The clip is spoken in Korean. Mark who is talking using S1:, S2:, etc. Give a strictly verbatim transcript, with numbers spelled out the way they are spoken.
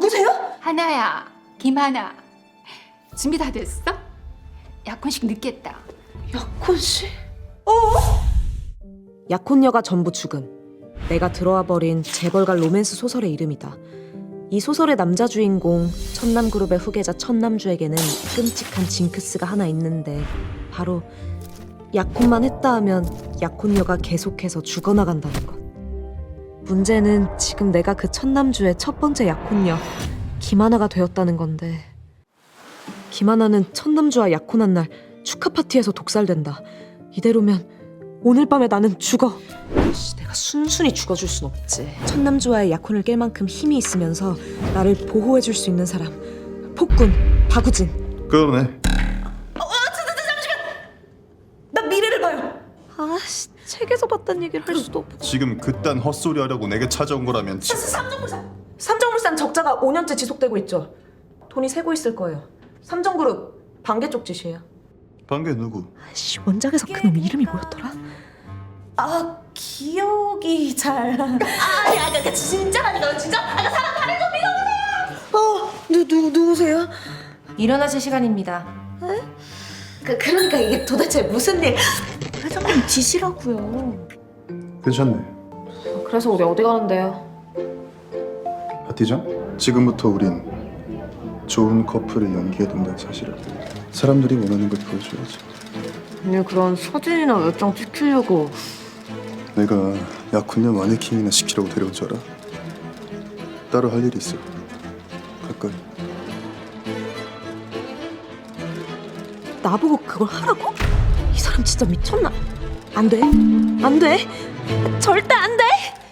S1: 누구세요?
S2: 하나야, 김하나. 준비 다 됐어? 약혼식 늦겠다.
S1: 약혼 씨?
S3: 약혼녀가 전부 죽음. 내가 들어와 버린 재벌가 로맨스 소설의 이름이다. 이 소설의 남자 주인공 천남그룹의 후계자 천남주에게는 끔찍한 징크스가 하나 있는데 바로 약혼만 했다 하면 약혼녀가 계속해서 죽어나간다는 것. 문제는 지금 내가 그 천남주의 첫 번째 약혼녀 김하나가 되었다는 건데, 김하나는 천남주와 약혼한 날 축하 파티에서 독살된다. 이대로면 오늘 밤에 나는 죽어. 씨, 내가 순순히 죽어줄 순 없지. 천남주와의 약혼을 깰 만큼 힘이 있으면서 나를 보호해줄 수 있는 사람, 폭군 박우진.
S4: 그러네.
S1: 나 미래를 봐요.
S3: 아씨, 책에서 봤단 얘기를 할 수도 없고.
S4: 지금 그딴 헛소리 하려고 내게 찾아온 거라면 지...
S1: 삼정물산. 삼정물산 적자가 오 년째 지속되고 있죠. 돈이 새고 있을 거예요. 삼정그룹 반개 쪽 짓이에요.
S4: 반개 누구?
S3: 아씨, 원작에서 그놈 이름이 뭐였더라?
S1: 아, 기억이 잘. 아니, 아니, 그 진짜라니까요, 진짜. 아니, 사람 다른 거 믿어보세요. 어, 누, 누, 누구세요?
S5: 일어나실 시간입니다.
S1: 그, 그러니까 이게 도대체 무슨 일? 회장님 지시라고요.
S4: 괜찮네.
S5: 그래서 우리 어디 가는데요?
S4: 파티장? 지금부터 우린 좋은 커플을 연기해 둔다는 사실을 사람들이 원하는 걸 보여줘야지.
S5: 아니 그런 사진이나 몇 장 찍히려고.
S4: 내가 약혼녀 마네킹이나 시키라고 데려온 줄 알아? 따로 할 일이 있어. 가까이.
S3: 나보고 그걸 하라고? 이 사람 진짜 미쳤나? 안 돼, 안 돼, 절대 안 돼.